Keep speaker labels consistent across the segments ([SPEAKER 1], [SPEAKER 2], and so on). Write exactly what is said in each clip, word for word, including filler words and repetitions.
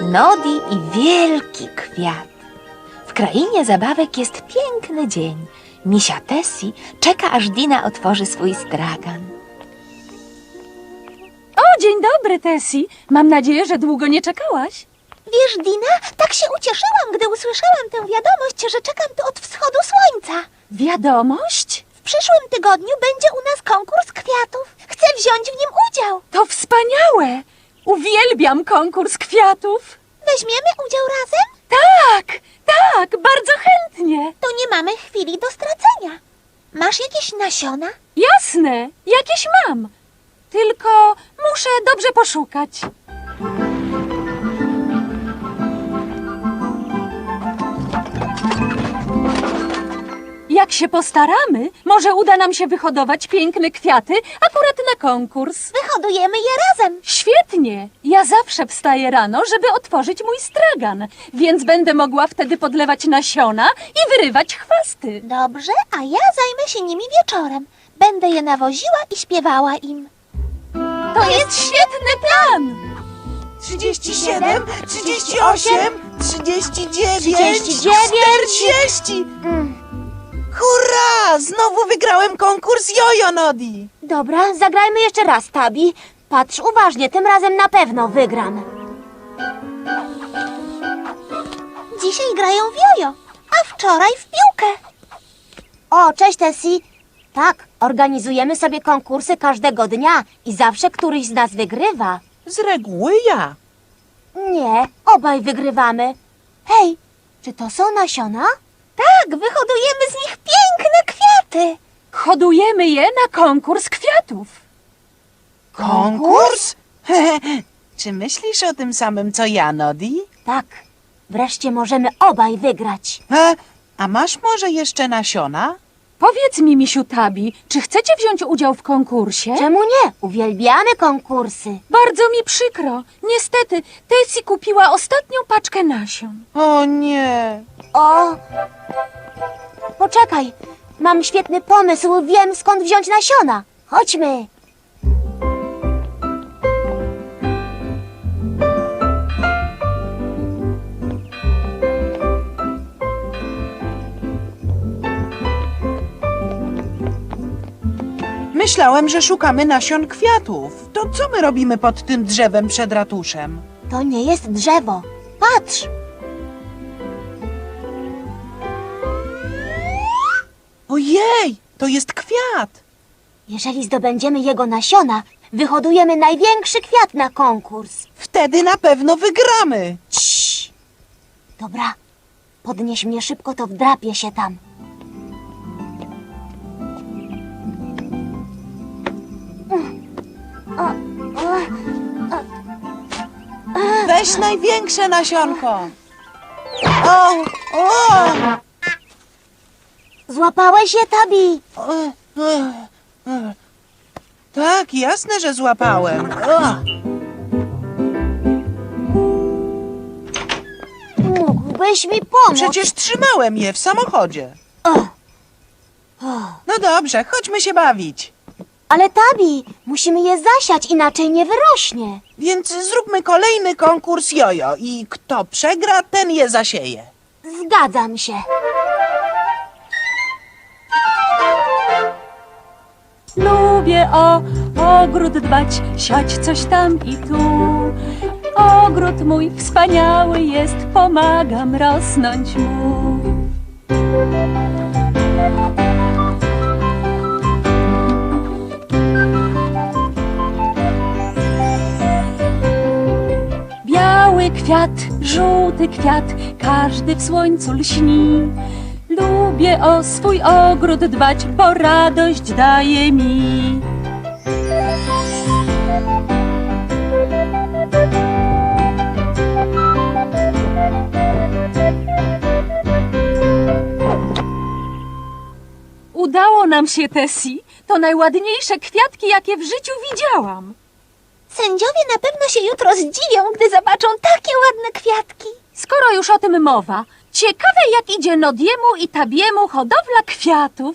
[SPEAKER 1] Nodi i wielki kwiat. W krainie zabawek jest piękny dzień. Misia Tessie czeka, aż Dina otworzy swój stragan.
[SPEAKER 2] O, dzień dobry, Tessie. Mam nadzieję, że długo nie czekałaś.
[SPEAKER 1] Wiesz, Dina, tak się ucieszyłam, gdy usłyszałam tę wiadomość, że czekam tu od wschodu słońca.
[SPEAKER 2] Wiadomość?
[SPEAKER 1] W przyszłym tygodniu będzie u nas konkurs kwiatów. Chcę wziąć w nim udział.
[SPEAKER 2] To wspaniałe! Uwielbiam konkurs kwiatów.
[SPEAKER 1] Weźmiemy udział razem?
[SPEAKER 2] Tak, tak, bardzo chętnie.
[SPEAKER 1] To nie mamy chwili do stracenia. Masz jakieś nasiona?
[SPEAKER 2] Jasne, jakieś mam. Tylko muszę dobrze poszukać. Jak się postaramy, może uda nam się wyhodować piękne kwiaty akurat na konkurs.
[SPEAKER 1] Wyhodujemy je razem.
[SPEAKER 2] Świetnie! Ja zawsze wstaję rano, żeby otworzyć mój stragan, więc będę mogła wtedy podlewać nasiona i wyrywać chwasty.
[SPEAKER 1] Dobrze, a ja zajmę się nimi wieczorem. Będę je nawoziła i śpiewała im.
[SPEAKER 2] To, to jest świetny plan!
[SPEAKER 3] Trzydzieści siedem, trzydzieści osiem, trzydzieści dziewięć,
[SPEAKER 1] trzydzieści dziewięć.
[SPEAKER 3] czterdzieści. Hurra! Znowu wygrałem konkurs Jojo Nodi.
[SPEAKER 1] Dobra, zagrajmy jeszcze raz, Tabi. Patrz uważnie, tym razem na pewno wygram. Dzisiaj grają w jojo, a wczoraj w piłkę. O, cześć, Tessie. Tak, organizujemy sobie konkursy każdego dnia i zawsze któryś z nas wygrywa.
[SPEAKER 3] Z reguły ja.
[SPEAKER 1] Nie, obaj wygrywamy. Hej, czy to są nasiona? Tak, wyhodujemy z nich piękne kwiaty.
[SPEAKER 2] Hodujemy je na konkurs kwiatów.
[SPEAKER 3] Konkurs? Czy myślisz o tym samym co ja, Nodi?
[SPEAKER 1] Tak, wreszcie możemy obaj wygrać.
[SPEAKER 3] E, a masz może jeszcze nasiona?
[SPEAKER 2] Powiedz mi, misiu Tabi, czy chcecie wziąć udział w konkursie?
[SPEAKER 1] Czemu nie? Uwielbiamy konkursy.
[SPEAKER 2] Bardzo mi przykro. Niestety, Tessie kupiła ostatnią paczkę nasion.
[SPEAKER 3] O nie.
[SPEAKER 1] O, poczekaj, mam świetny pomysł, wiem skąd wziąć nasiona. Chodźmy.
[SPEAKER 3] Myślałem, że szukamy nasion kwiatów. To co my robimy pod tym drzewem przed ratuszem?
[SPEAKER 1] To nie jest drzewo. Patrz.
[SPEAKER 3] Ojej, to jest kwiat.
[SPEAKER 1] Jeżeli zdobędziemy jego nasiona, wyhodujemy największy kwiat na konkurs.
[SPEAKER 3] Wtedy na pewno wygramy.
[SPEAKER 1] Ciii. Dobra, podnieś mnie szybko, to wdrapię się tam.
[SPEAKER 3] Weź największe nasionko. O, o!
[SPEAKER 1] Złapałeś je, Tabi?
[SPEAKER 3] O, o, o. Tak, jasne, że złapałem. O.
[SPEAKER 1] Mógłbyś mi pomóc.
[SPEAKER 3] Przecież trzymałem je w samochodzie.
[SPEAKER 1] O,
[SPEAKER 3] No dobrze, chodźmy się bawić.
[SPEAKER 1] ale Tabi, musimy je zasiać, inaczej nie wyrośnie.
[SPEAKER 3] Więc zróbmy kolejny konkurs jojo i kto przegra, ten je zasieje.
[SPEAKER 1] Zgadzam się.
[SPEAKER 2] Lubię o ogród dbać, siać coś tam i tu. Ogród mój wspaniały jest, pomagam rosnąć mu. Biały kwiat, żółty kwiat, każdy w słońcu lśni. Lubię o swój ogród dbać, bo radość daje mi. Udało nam się, Tessie. To najładniejsze kwiatki, jakie w życiu widziałam.
[SPEAKER 1] Sędziowie na pewno się jutro zdziwią, gdy zobaczą takie ładne kwiatki.
[SPEAKER 2] Skoro już o tym mowa, ciekawe jak idzie Nodiemu i Tabiemu hodowla kwiatów.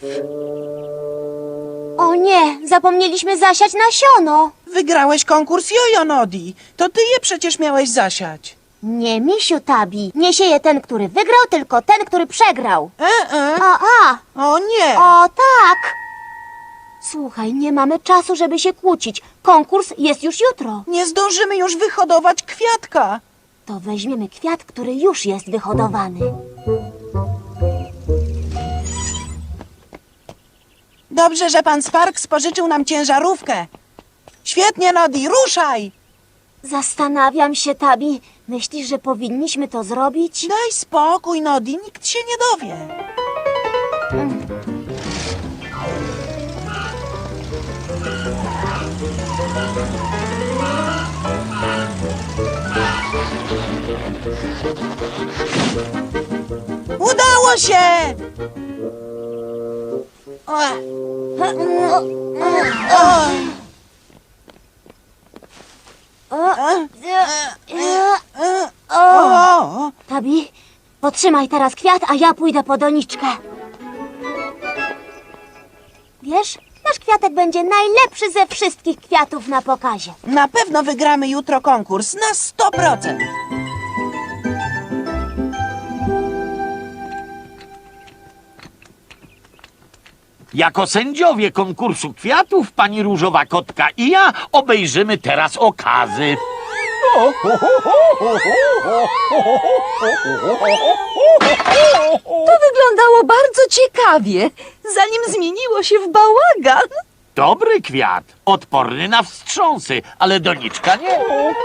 [SPEAKER 1] O nie, zapomnieliśmy zasiać nasiono.
[SPEAKER 3] Wygrałeś konkurs jojo Nodi. To ty je przecież miałeś zasiać.
[SPEAKER 1] Nie, misiu Tabi. Nie sieje ten, który wygrał, tylko ten, który przegrał.
[SPEAKER 3] E, e.
[SPEAKER 1] A, a,
[SPEAKER 3] O nie!
[SPEAKER 1] o tak! Słuchaj, nie mamy czasu, żeby się kłócić. Konkurs jest już jutro.
[SPEAKER 3] Nie zdążymy już wyhodować kwiatka.
[SPEAKER 1] To weźmiemy kwiat, który już jest wyhodowany.
[SPEAKER 3] Dobrze, że pan Sparks pożyczył nam ciężarówkę. Świetnie, Nodi, ruszaj!
[SPEAKER 1] Zastanawiam się, Tabi. Myślisz, że powinniśmy to zrobić?
[SPEAKER 3] Daj spokój, Nodi, nikt się nie dowie. Udało się! Oj. Oj. O.
[SPEAKER 1] Tabi, potrzymaj teraz kwiat, a ja pójdę po doniczkę. Wiesz, nasz kwiatek będzie najlepszy ze wszystkich kwiatów na pokazie.
[SPEAKER 3] Na pewno wygramy jutro konkurs na sto procent.
[SPEAKER 4] Jako sędziowie konkursu kwiatów, pani Różowa Kotka i ja obejrzymy teraz okazy.
[SPEAKER 2] To wyglądało bardzo ciekawie, zanim zmieniło się w bałagan.
[SPEAKER 4] Dobry kwiat, odporny na wstrząsy, ale doniczka nie.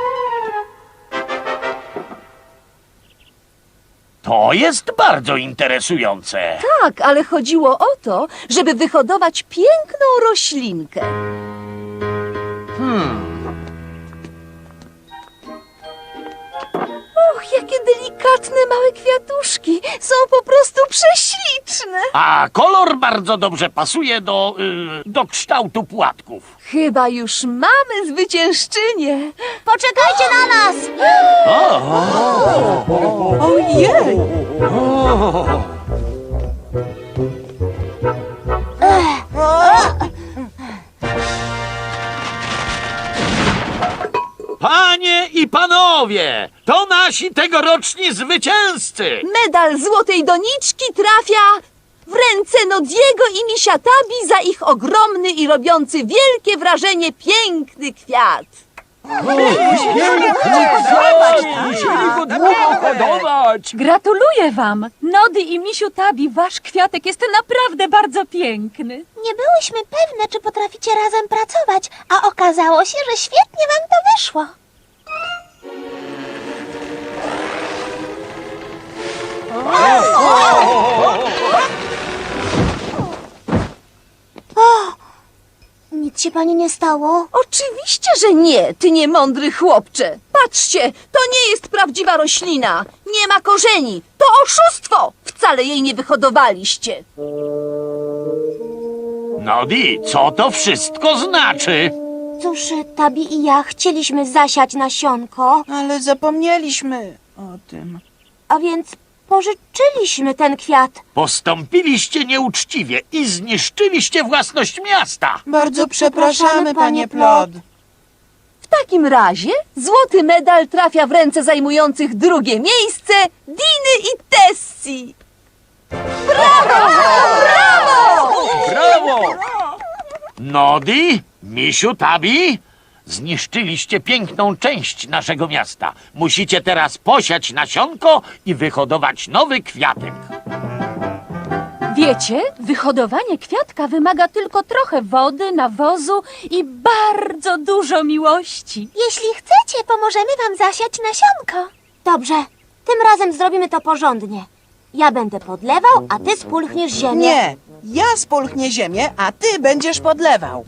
[SPEAKER 4] To jest bardzo interesujące.
[SPEAKER 2] Tak, ale chodziło o to, żeby wyhodować piękną roślinkę. Och, jakie delikatne małe kwiatuszki. Są po prostu prześliczne.
[SPEAKER 4] A kolor bardzo dobrze pasuje do, y, do kształtu płatków.
[SPEAKER 2] Chyba już mamy zwyciężczynię.
[SPEAKER 1] Poczekajcie na nas!
[SPEAKER 2] Ojej!
[SPEAKER 4] Panie i panowie, to nasi tegoroczni zwycięzcy.
[SPEAKER 2] Medal Złotej Doniczki trafia w ręce Nodiego i Misia Tabi za ich ogromny i robiący wielkie wrażenie piękny kwiat.
[SPEAKER 4] Musieli go długo hodować.
[SPEAKER 2] Gratuluję wam! Nody i Misiu Tabi, wasz kwiatek jest naprawdę bardzo piękny.
[SPEAKER 1] Nie byłyśmy pewne, czy potraficie razem pracować, a okazało się, że świetnie wam to wyszło. O, nic się pani nie stało?
[SPEAKER 2] Oczywiście, że nie, ty niemądry chłopcze. Patrzcie, to nie jest prawdziwa roślina. Nie ma korzeni. To oszustwo. Wcale jej nie wyhodowaliście.
[SPEAKER 4] Nodi, co to wszystko znaczy?
[SPEAKER 1] Cóż, Tabi i ja chcieliśmy zasiać nasionko,
[SPEAKER 3] Ale zapomnieliśmy o tym.
[SPEAKER 1] a więc pożyczyliśmy ten kwiat.
[SPEAKER 4] Postąpiliście nieuczciwie i zniszczyliście własność miasta.
[SPEAKER 3] Bardzo przepraszamy,
[SPEAKER 1] przepraszamy,
[SPEAKER 3] panie
[SPEAKER 1] panie
[SPEAKER 3] Plod.
[SPEAKER 2] W takim razie złoty medal trafia w ręce zajmujących drugie miejsce Diny i Tessie.
[SPEAKER 4] Brawo! Nodi, Misiu, Tabi, zniszczyliście piękną część naszego miasta. Musicie teraz posiać nasionko i wyhodować nowy kwiatek.
[SPEAKER 2] Wiecie, wyhodowanie kwiatka wymaga tylko trochę wody, nawozu i bardzo dużo miłości.
[SPEAKER 1] Jeśli chcecie, pomożemy wam zasiać nasionko. Dobrze, tym razem zrobimy to porządnie. Ja będę podlewał, a ty spulchniesz ziemię.
[SPEAKER 3] Nie, ja spulchnię ziemię, a ty będziesz podlewał.